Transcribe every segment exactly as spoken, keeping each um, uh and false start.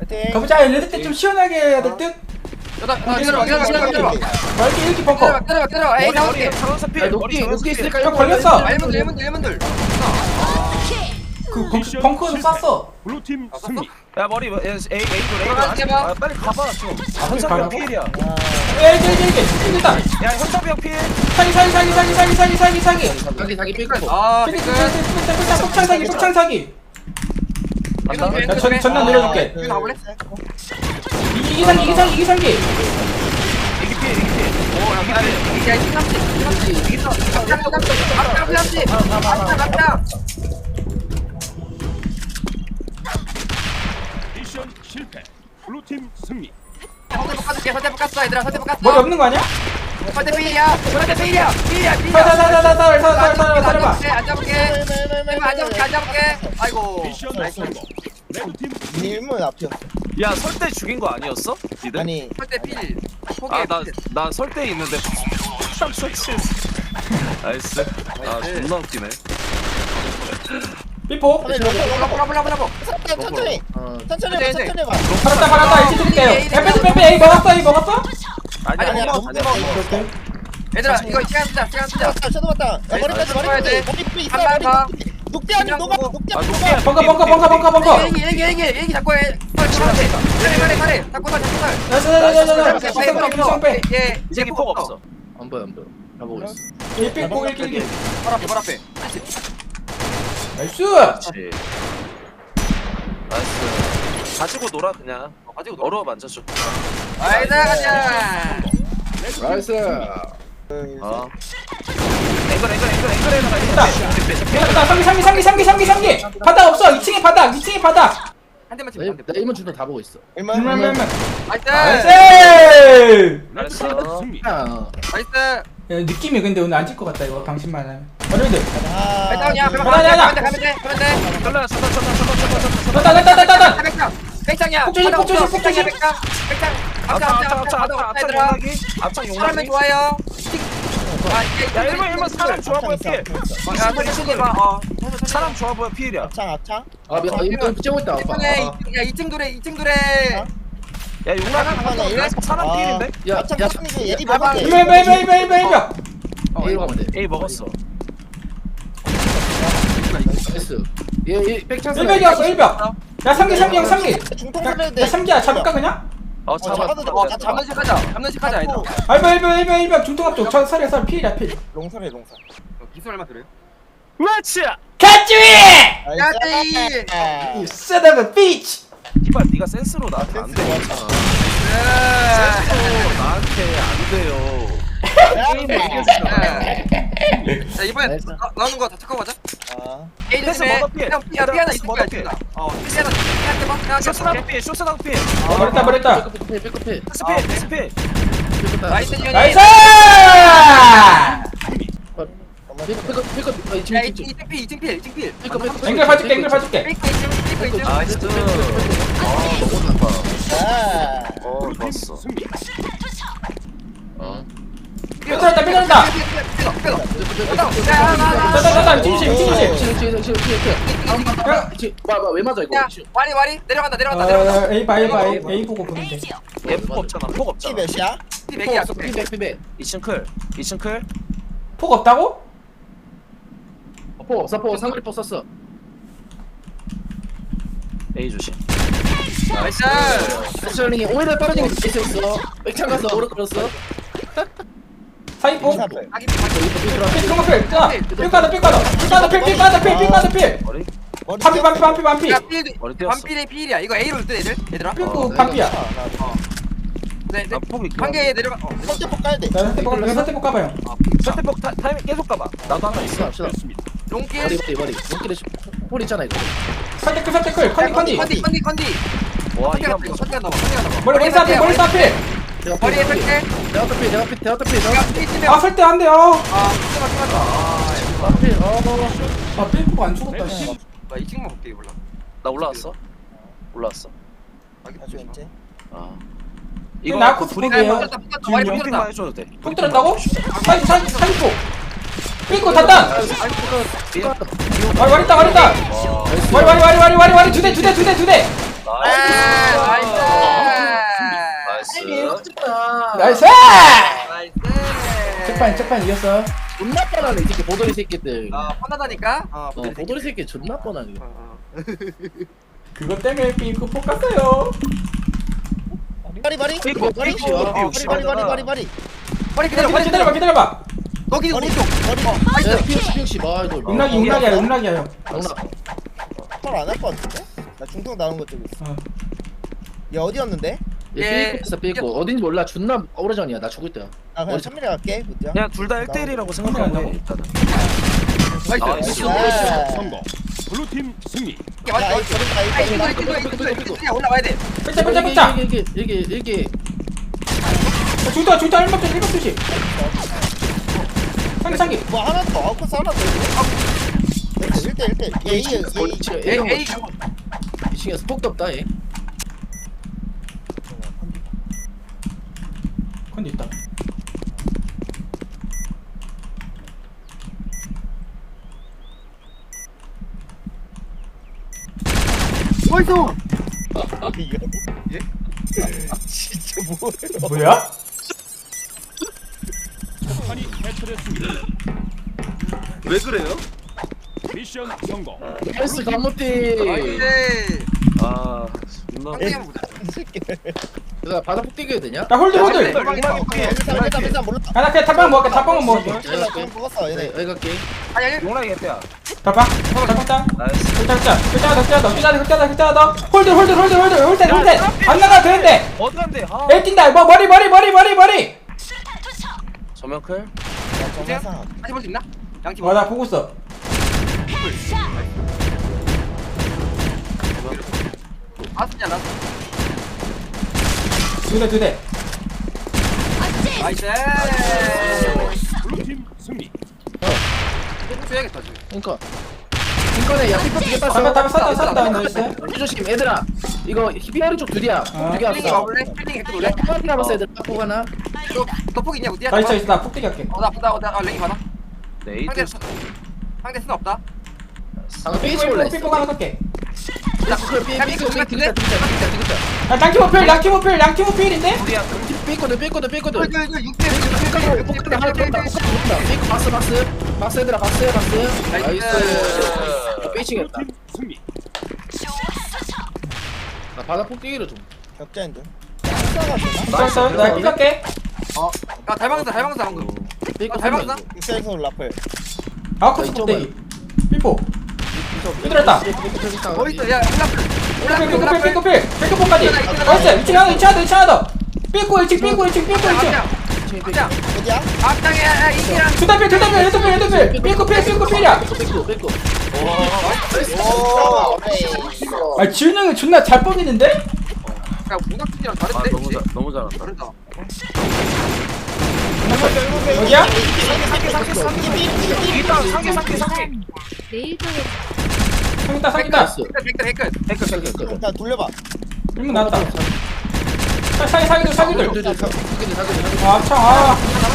가보자. 레드 때 좀 시원하게 해야 될 듯. 기다려 기다려 기다려 기다려 말기 일기 벙커. 기다려 기다려 기다려 에이 나올게 녹기 녹기 있을까? 형 걸렸어. 일문들 일문들 일문들 그 벙- 벙커에서 쐈어. 블루팀 승리. 야 머리 에이 에이 에이 들어갈게 봐. 아 빨리 가봐 좀. 현섭이 형 가라고? 필이야. 에이 에이 에이 에이 됐다. 야 현섭이 형 필. 사기 사기 사기 사기 사기 사기 사기 사기. 자기 자기 삐고. 아 사기 삐끗 폭창 사기 폭창 사기. 야, 전 전난 내려줄게. 여기 가볼래? 이기 상기 이기 상기 이기 상기. 이기 필 이기 필. 오 이기 필. 야 이거 삼십 삼십 이거 깜짝 깜짝 삼십 깜짝 깜짝 미션 실패. 블루팀 승리. 선대 깎아줄게 선대 깎았어 얘들아 선대 깎았어 머리 없는 거 아니야? 선대 필이야 선대 필이야 필이야 필이야 살살살살살살살살살 살아봐. 안 잡을게 안 잡을게 안 잡을게 아이고 미션 성공. 레드팀 님은 앞이었어. 야 설대 죽인 거 아니었어? 니들? 아니 선대 필 포기해 아나나 설대 있는데. 참 솔치. 나이스. 아 존나 웃기네. 삐포. 브라보 브라보 브라보 천천히 어. 천천히 해봐 천천히 해봐. 팔았다 팔았다 이렇게 드릴게요. 야 빼빼 빼빼 에이 먹었어 에이 먹었어? 아니 아니, 아니야 아니, 아니야. 아니, 아니야. 얘들아 이거 시간 쓰자 시간 쓰자 쳤다 쳐도 봤다. 야 머리까지 쳐야 돼. 머리까지. 머리 있어. 한 발 더. 녹대 아니 녹아 녹대 아 아니 녹게. 녹아. 벙커 벙커 벙커 벙커 벙커. 얘기 얘기 얘기 얘기 잡고 해 빨리 빨리 빨리 빨리 빨리 잡고 살 잡고 살 나나나나나 피상 빼. 예 이 새끼 폭 없어. 안 보여 안 보여. 나 보고 있어. 일 삐포 일 길기. 발 앞에 발 앞에 나이스. 그렇지. 나이스. 가지고 놀아 그냥. 가지고 놀아. 어려워 만져줘. 아이다 가자 나이스. 어. 앵글 앵글 앵글 앵글 앵글 됐다. 상기 상기 상기 상기 상기 상기. 바닥 없어. 이 층에 바닥. 이 층에 바닥. 한 대만 나 치면 나 일문 준다 다 보고 있어. 얼마나 얼마나 나이스 나이스. 나이스. 승리. 야. 나이스 야, 느낌이 근데 오늘 안 질 것 같다 이거 방심만 하면. 어른들. 백장이야 가자, 가자. 가면 돼 가면 돼 가면 돼 설라 설라 설라 설라 설라 설라. 됐다 됐다 됐다 됐다. 백장 백장이야 폭조심, 폭조심, 폭조심. 백장 백장 앞창 앞장 앞창 앞장 앞창 앞장 앞창 얘들아 용락이. 앞창 사람이 용락이. 좋아요 야 일본 일본 사람 좋아 보여 필. 야 소리 소리 봐어 사람 좋아 보여 필이야. 앞창 앞창. 아 미안. 일문 째고 있다. 아빠. 이층에 아. 야 이층 둘에 이층 둘에 야 용락이 사람 필인데? 야, 앞창 야. 앞창 예리 야, 먹었대. 이메 이메 이메 이메 이메 이메. A로 가면 돼. 에이 먹었어. 나이스. 얘얘 백창. 일백이었어 일백. 야 삼기 삼기 형 삼기. 중통 살려야 돼. 야 삼기야 잡을까 그냥? 어 잡아도 잡았어. 돼. 어 잡는 식 하자 잡는 식 하자 얘들아 알바 일백 일백 일백 중통합 쪽. 저 살이야 살 필이야 필. 롱설해 롱설. 기술 얼마 들어요? 왜치야? catch me. 야지 You son of a bitch. 이발 네가 센스로 나한테 안 돼. 센스로 나한테 안 돼요. 자 이번에 나이스. 나- 나오는 거 다 체크하고 가자 아. 에이 패스 조심해 머더 피해. 형 피, 야, 피 하나 있을 거야 머더 피해. 지금 어 피 하나 피한테 봐 피한테 쇼스 봐 나도 피해. 쇼스 나도 피해. 버렸다 버렸다. 백커피 백커피. 스피해. 스피해. 나이스 유니 나이스. 백커피 백커피. 아 야 이층 이- 이층. 이층 필 이층 필 이층 필 백커피. 앵글 봐줄게 앵글 봐줄게. 페이크 이층 페이크 이층 나이스. 아 너무 좋다. 아. 어 블루팀 좋았어. 승리. 어. 삐뚤었다 삐뚤었다. 자자자자 진심 진심. 치료 치료 치료 치료 치료. 봐봐 왜 맞아 이거. 야 와리 와리 내려간다 내려간다 내려간다 어 A 봐 A 봐 A A 보고 보면 돼. F 없잖아. 폭 키 없잖아. 몇이야? 피 맥이야 피백 피백. 이층 클. 이층 클. 폭 없다고? 포 없어 포 상거리 포 썼어. A 조심. 나이스 스철링이 오히려 떨어지는 게 있어. 백창 가서 오른 끌었어. 사이포. 사백. 아기 아기 필 통화 필. 자, 필 까다 필 까다. 필 까다 필 필 까다 필 필 까다 필. 머리. 머리 반피 반피 반피 반피. 야 필 머리 띄었어. 반필의 필이야 이거 A로 뜰 애들 얘들아 필고 반피야. 네네 아 폭이. 한 개에 내려가 어 선택폭 까야 돼. 나 선택 봐. 나 선택 가봐요. 선택폭 타- 타이밍 계속 가봐. 나도 하나 있어. 갑시다 갑시다. 됐습니다. 롱길 머리 머리 머리. 눈길에 홀 있잖아 이거. 선택 그 선택 그 컨디 컨디. 컨디 컨디 컨디 와 컨디 이거 간다 이거 컨디 간다 컨디 간다 머리 머리 싸필 머리 싸필. 내가 머리에 설대 내가 피 내가 피 내가 피 야 내가 피 치면 아 설대 안 돼요. 아 잠깐만 잠깐만 피. 어. 아 필고 안 죽었다. 씨. 나 이 친구만 볼게 몰라 나 올라왔어. 올라왔어. 아주 왠지. 아. 이거 이거 나코스 브리핑 포기해요. 붙었다 붙었다 머리 지금 브리핑만 붙었다 해줘도 돼. 폭 들었다고? 사이 사이 사이포. 필고 닫다. 와리 와리 있다 와리 있다. 와리 와리 와리 와리 와리 와리 두대 두 대 두 대 두 대. 나이스. 나이스. 나이스! 나이스. 책판 책판 이겼어. 존나 뻔하네 이 새끼 보돌이 새끼들. 어, 편하다니까? 어, 어, 보돌이 새끼 존나 뻔하네. 어, 어. 그것 때문에 삐꾸 폭 갔어요. 바리 바리 삐꾸, 바리 삐꾸, 어, 바리 삐꾸 바리 바리 바리 바리 머리 기다려, 기다려 머리 기다려봐 기다려. 기다려봐. 거기 머리 오른쪽. 머리 야 나이스. 피우시 피우시 봐 이거. 음락이 음락이야 음락이야 형. 영락. 헐안할 것 같은데? 나 중통 나오는 것 좀 있어 어. 얘 어디였는데? 예. 얘 삐고 있어 삐고 어딘지 몰라 존나 오래전이야 나 죽을 때야. 아 그냥 머리 천밀이 갈게 그죠? 그냥 둘 다 일 대 일이라고 생각하고 해 일단은. 나이스. 나이스. 네. 성공. 블루팀 승리. 이게 맞아. 야 아, 이 저런다 이 이거 저런다 이거 이거 이거 이거 올라와야 돼. 뺏자 뺏자 뺏자. 이게 이게 이게 이게 중다 중다 일박 조심 일박 조심. 상기 상기. 뭐 하나 더 아웃코스 하나 더 일 대 일 대 얘 A 이 층 에이, A 에이, 층 이 층에서 폭도 없다 얘. 컨디 있다. 나이스. 이거 진짜 뭐예요? 뭐야? 판이 해체됐습니다. 왜 그래요? 미션 성공. 헬스 감무띠. 나이스. 아 존나. 한 개만 보자. 이 새끼 내가 바닥 폭 뛰겨야 되냐? 나 홀드 홀드. 일단 일단 일단 몰라 아, 나 그냥 탑방 먹을게 탑방만 먹을게. 나 그럼 먹었어 얘네 여기 갈게. 아, 야, 야. 용락이 개피야. 탑방 탑방 탑. 나이스. 흑자 흑자 흑자 더 흑자 더 흑자 더 흑자 더 흑자 더 홀드 홀드 홀드 홀드 홀드 홀드 안 나가 되는데. 어디 간대? 아. 에 뛴다. 뭐 머리 머리 머리 머리 머리. 정면 클. 야 정상 다시 볼 수 있나? 양팀. 와나 보고 있어. 아스냐, 두대 두 대. 나이스. 블루팀 승리. 해야겠다 지금. 그러니까. 이거네 야 피파 두개 탑방 땄어. 탑방 쐈다 쐈다 나이스. 조심 얘들아. 이거 히비아리 쪽 둘이야. 아. 두개 필링이 왔어. 와볼래? 필링 핵도 올래? 한 남았어 얘들 딱 하나. 너 폭 있냐? 어디야? 나 있어 있어 나 폭대기 할게. 어, 나, 나, 나, 아, 랭이 많아. 네이트. 상대, 상대 수는 없다. 방금 삐치 삐꾸 올래. 삐꾸 하나 갈게. 야, 삐꾸 삐꾸 야, 삐꾸 삐꾸, 삐꾸 삐꾸 삐꾸 야 양팀 오필 양팀 오필 양팀 오필인데? 우리야. 삐꾸들 삐꾸들 삐꾸들. 이거, 이거, 육 대 육. 삐꾸들 하나 더 온다. 삐꾸 박스 박스. 박스 얘들아 박스 박스. 나이스. 삐치겠다. 블루팀 승리. 나 바닥 폭 뛰기로 좀. 격자인 듯 격자가 되나? 됐어 나 삐갈게. 어, 야, 달방사, 달방사 방금. 삐꾸 아, 잘 한 명. 봤나? 격자에서 라플 아웃코스 폭대기. 삐뽀. 삐뚤었다. 어디 있어? 야, 올라프. 삐꾸 올라프, 삐꾸 삐꾸 올라프. 삐꾸 삐꾸 삐꾸까지. 나이스 이층 하나 이층 하나 이층 하나 더. 삐꾸 일층 삐꾸 일층 삐꾸 일층. 앞장, 어디야? 앞장에, 야, 야, 이기랑. 두달필 두달필 두달필 두달필. 삐꾸 필 삐꾸 필이야. 삐꾸 삐꾸 삐꾸. 오 오케이 아 지훈 형이 존나 잘 뽑이는데? 야, 문학진이랑 아 다른데? 너무 잘 너무 잘한다. 다르다. 여기야? 상계 상계 상계. 내일 밤에 상있다 상있다. 나이스. 댓글, 댓글. 삐꾸 삐꾸 삐꾸. 일단 돌려봐 일문 나왔다. 사- 사기 사기들 사기들. 사기들 사기들 사기들. 아 참 아.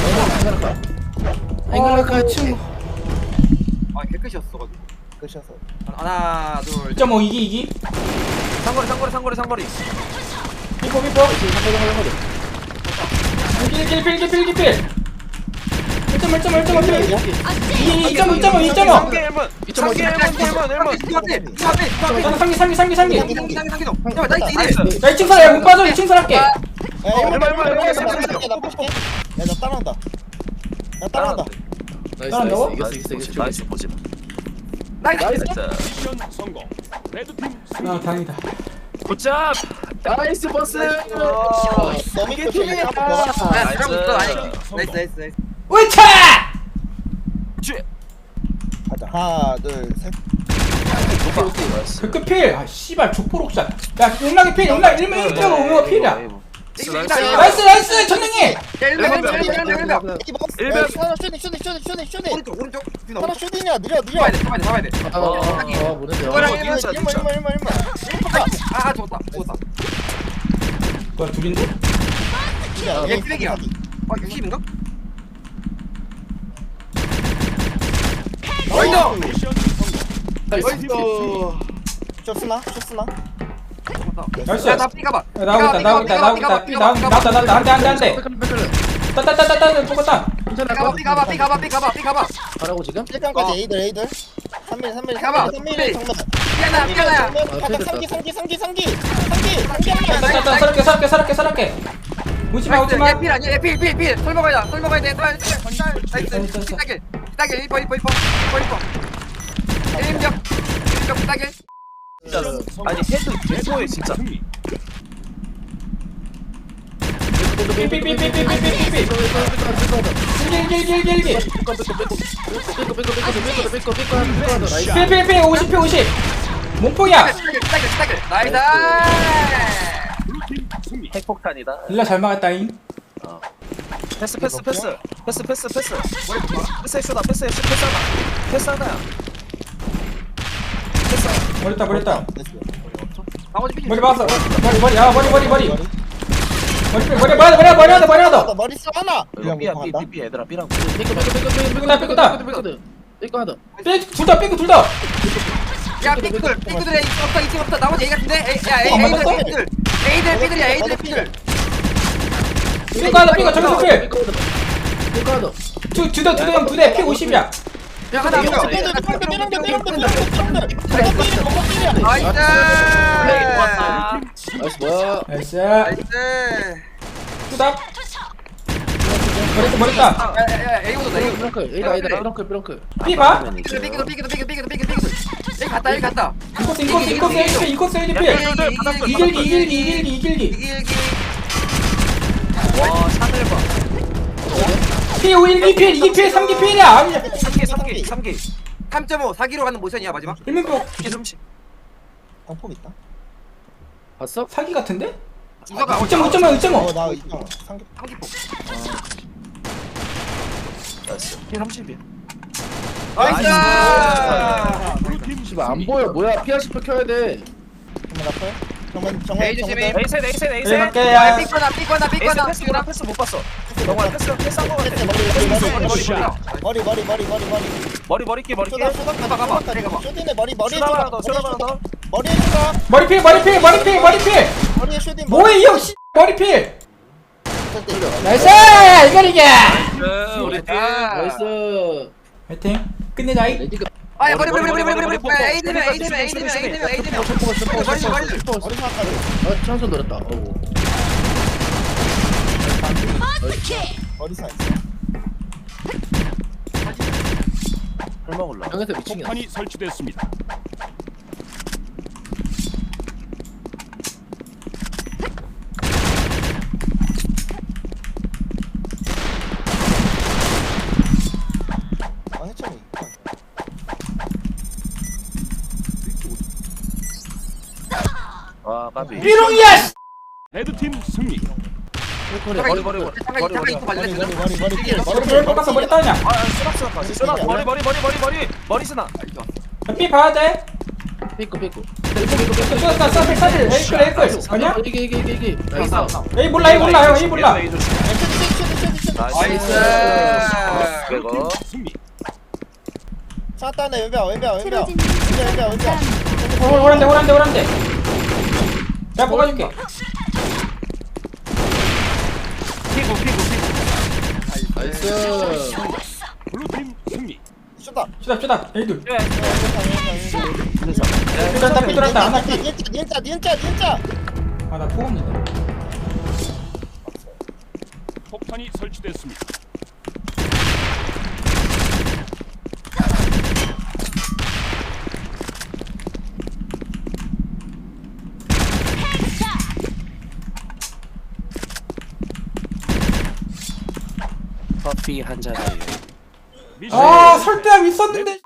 앵글라카 친구. 아, 개끝이었어. 가지고. 끝이어서 하나, 둘, 이 점 오 이기 이기. 상거리 상거리 상거리 상거리. 삐뽀 삐뽀. 필필 필필 필필 필. 일 점 일 점 일 점 일 점. 이 점 이 점 이 점. 상계 일 번. 상계 일 번 일 번 일 번. 상기 상기 상기 상기. 상기, 상기, 상기, 상기. 야, 나이스, 이래. 나이스. 야 이 층 살아 못 빠져 이 층 살할게. 야 얼마, 얼마, 얼마, 얼마, 나 볼게 야나 따라온다 나 따라온다 나이스 따라한다고? 나이스 이겼어 이겼어 이겼어. 나이스 보지 마. 나이스. 나이스. 나이스. 미션 성공. 레드팀 승리. 아 다행이다. 굿잡. 나이스 버스. 너무 이게 이쁘게 팀이야. 봐 야, 잘하고 있어. 아니, 나이스. 나이스, 나이스, 나이스. 우차! 가자 하나 둘셋 나이스. 그끝 필. 아 씨발 족보록샷. 야 용락이 필 용락 일문 일 점 오 필이야. 나이스. 나이스 나이스 전능이. 야, 일명, 일명, 일명, 일명, 일명. 이 먹었어 일병. 야, 하나 쇼딩 쇼딩 쇼딩 쇼딩 쇼딩 오른쪽, 오른쪽. 뒤로 하나 쇼딩이야 느려 느려 잡아야 돼, 잡아야 돼, 잡아야 돼. 아, 아, 뭐는데? 이거랑 어, 일명, 진짜, 일만 진짜. 일만 일만 일만 아, 아, 죽었다, 죽었다. 뭐야 둘인데? 얘 쓰레기야. 아, 육십인가? 나이스! 미션 성공. 나이스. 레드팀 승리. 쇼스나 쇼스나 나이스. 야나 삐가봐. 야, 나오고 있다 나오고 있다 나오고 있다 삐 나오 나왔다 나왔다 한대 한대 한대 따따따따따 뽑았다 괜찮아. 삐가봐 삐가봐 삐가봐 삐가봐 삐가봐. 가라고 지금? 일강까지 어. 에이들 에이들 삼 밀 삼 밀 가봐. 삼 밀 정면 삐야나 삐야나야. 바닥 삼기 삼기 삼기 삼기 삼기 삼기 따따따 서럽게 서럽게 서럽게 서럽게 오지마 오지마 얘필 아니야 얘필필필 설 먹어야 설 먹어야 돼. 나이스. 삐딱일 삐딱일 일 번 일 번 일 번 일 번 일 번. 일인병 일인병 삐딱일. 진짜로. 아니 헤드 개소해 진짜. 승리. 삐삐삐삐삐삐삐삐 길길길길길길 삐삐삐 오십 피 오십 몸폭이야 삐딱일 삐딱일 나이스. 블루팀 승리. 핵폭탄이다. 일라 잘 막았다잉 패스 패스 패스 패스 패스 패스. 패스 해쇼다 패스 해쇼 패스 하나. 패스 하나야. 패스 하나. 머리다 머리다 나머지 삐. 머리 박았어 머리 머리 야 머리 머리 머리 머리 머리 머리 머리 머리 머리 하다 머리 하다 머리 써 하나 이거 삐야 삐 삐 삐 얘들아 삐랑. 둘다 삐꾸 둘다 야 삐들 삐들 에이 없다 이층 없다 나머지 에이 같은데. 에이 야 에이 에이들 삐들 에이들 삐들이야 에이들 삐들. 삐꾸 하다 삐꾸 저기서 필 두, 두 대, 두 대, 형, 두 대, 피 오십이야. 야 하나 더. 삐들 삐들 삐들 삐들 삐들 삐들 나이스. 나이스 뭐야? 나이스. 나이스. 투답. 머리다, 머리다. 야야야 에이 오다 에이. 브렁클 에이다 에이다 브렁클 브렁클. 삐 봐. 삐기도 삐기도 삐기도 삐기도 삐기도 삐기도 삐기도. 에이 갔다 에이 갔다. 인코스, 인코스, 인코스, 인코스, 인코스, 인코스, 필. 이길기, 이길기, 이길기, 이길기. 이길기. 와 샤넬 봐. 피 오, 일 기 필, 이 기 필, 삼 기 필이야. 아니, 삼 개 삼 개 삼 개. 삼 점 오 사 기로 가는 모션이야 마지막. 일면폭 삼십. 방폭 있다 봤어? 사기 같은데? 이거가 오 점 오, 오 점 오, 오 점 오. 어나 이상 삼기 삼기포. 나이스. 피 삼십이야. 나이스. 블루팀 씨발 안 보여 뭐야 피아십 켜야 돼. 정면 앞에 정면 정면 에이 조심히. 에이셋 에이셋 네, 에이셋. 갈게, 야 야. 삐거나 삐거나 에이셋 삐거나. 패스 누나 패스 못 봤어. 정말 패스 패스 한거 같아. 머리 머리 머리 머리 머리 머리 머리 머리끼 머리끼. 쇼다 쇼다 가봐, 가봐. 그래, 가봐. 쇼딘에 머리 머리 쇼다 하나 더 쇼다 하나 더. 머리에 쇼다 머리 필, 머리 필, 머리 필, 머리 필. 머리에 쇼딘 뭐해, 이 형, 씨. 머리 필. 머리 나이스! 이걸 이겨! 네, 우리 팀. 나이스. 화이팅. 끝내자이. 레디가 아야 머리 머리 머리 머리 머리 머리. 에이 되면 에이 되면 에이 되면 에이 되면 에이 되면. 슈퍼 슈퍼 머리, 슈퍼 머리. 슈퍼. 머리 생각하지 아 찬스 노렸다. 어우. 머리 사이즈 설마 올라. 형에서 미치겠네. 폭탄이 설치됐습니다. 아 해찬이 와 까비. 삐롱이야! 씨. 레드팀 승리. 머리 머리 머리 머리 잠깐 머리 잠깐 머리. 이거 머리 발렸어. 머리 머리 머리 머리 머리 필 꺾어서 머리 따냐? 아 쓰나 쓰나 봐. 쓰나 머리 머리 머리 머리 머리 머리 쓰나. 삐 봐야 돼. 삐꾸 삐꾸. 쏘다, 쏘다, 사실. 에이클, 에이클. 아니야? 이게 이게 이게 이게. 나이스. 에이 몰라, 에이 몰라, 형, 에이 몰라. 나이스. 그거. 승리. 샷다네 왼벽 왼벽 왼벽 왼벽 왼벽 왼벽 호- 호란데, 호란데, 호란데. 내가 뽑아줄게. 피구 피구 피구. 나이스. 블루팀 승리. 쇼다 쏘다, 쏘다. 에이 둘. 예. 삐뚤었다, 삐뚤었다. 하나 삐. 니은자 니은자 니은자 니은자 아, 나 포함이다. 폭탄이 설치됐습니다. 커피 한 잔에. 미션 아, 설대함 있었는데.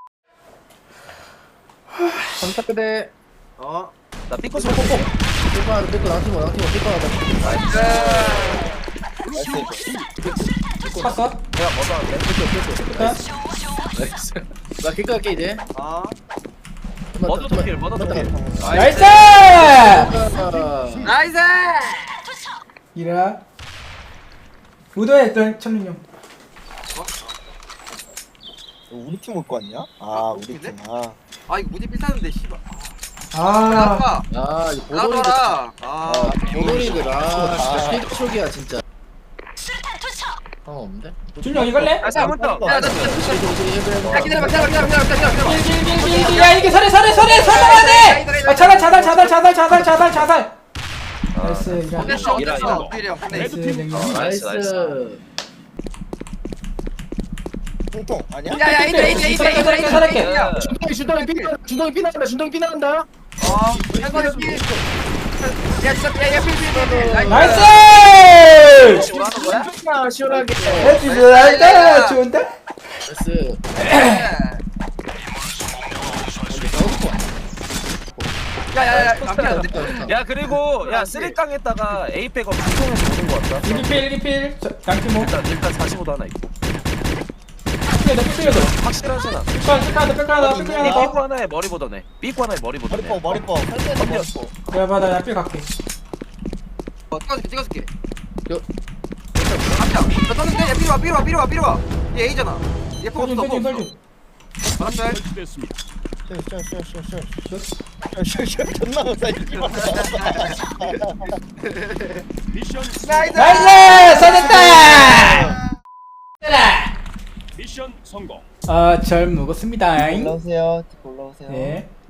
감사합니다. 어. 나 삐꾸 삐꾸 삐꾸. 삐꾸 하나 삐꾸 낭팀 낭팀 삐꾸 하나. 봤어? 내가 뭐 하는데? 나이스. 나 킥 갈게 이제. 어. 머더 킬 머더 킬. 나이스! 나이스. 이라. 우도했던 천룡 형. 우리 팀 올 거 아니야? 아 우리 팀아 아 이거 무지 비싸는데 씨발. 아 아빠 아, 이 보돌이들. 나와라 아 아, 보돌이들. 아, 아. 진짜 필촉이야, 진짜. 상관 없는데? 준영 이걸래? 야, 한번 더. 야, 나 진짜 야, 기다려봐, 기다려봐, 기다려봐, 기다려봐, 기다려봐. 길길길길 야 이게 설해 설해 설해 설해야 돼! 아 차달 차달 차달 차달 차달 차달 차달 나이스 이런 됐어, 이라, 됐어. 이라. 오히려. 근데 나이스 레드팀 냉면 나이스, 나이스. 통통 아니야? 야, 야, 에이드, 에이드, 에이드, 에이드, 에이드, 설할게. 에이드. 야, 준동이, 준동이 피, 준동이 피 나간다, 준동이 피 나간다. 어, 한번에 피. 야, 진짜, 야, 야, 피, 피, 피, 피. 나이스! 뭐 하는 거야? 아, 시원하게. 나이스 나이스 좋은데? 나이스. 야, 야, 야, 안 피하는데. 야 그리고 야 쓰리깡에다가 에이펙 업 중통에서 보는 거 같다. 일기필 일기필 양팀모 일단 일단 사십오도 하나 있고. 피해도 피해도 확실하잖아. 삐까 삐까다 삐까다 삐까 하나 이 더 삐꾸 하나에 머리 보더네. 삐꾸 하나에 머리 보더네. 머리뻐 머리뻐 설대도 머리뻐. 내가 받아 나삐 갈게 어, 찍어줄게, 찍어줄게. 요. 앞이야. 저 떴는데, 야, 삐로 와, 삐로 와, 삐로 와, 삐로 와. 얘 A잖아. 얘 포 설준 없어, 포 설준 없어. 설준 알았어. 설치됐습니다. 쇼쇼쇼쇼쇼쇼쇼 존나 못사 이기 미션 나이스! 나이스! 써냈다! 미션 성공. 아절 먹었습니다 올라오세요 올라오세요 네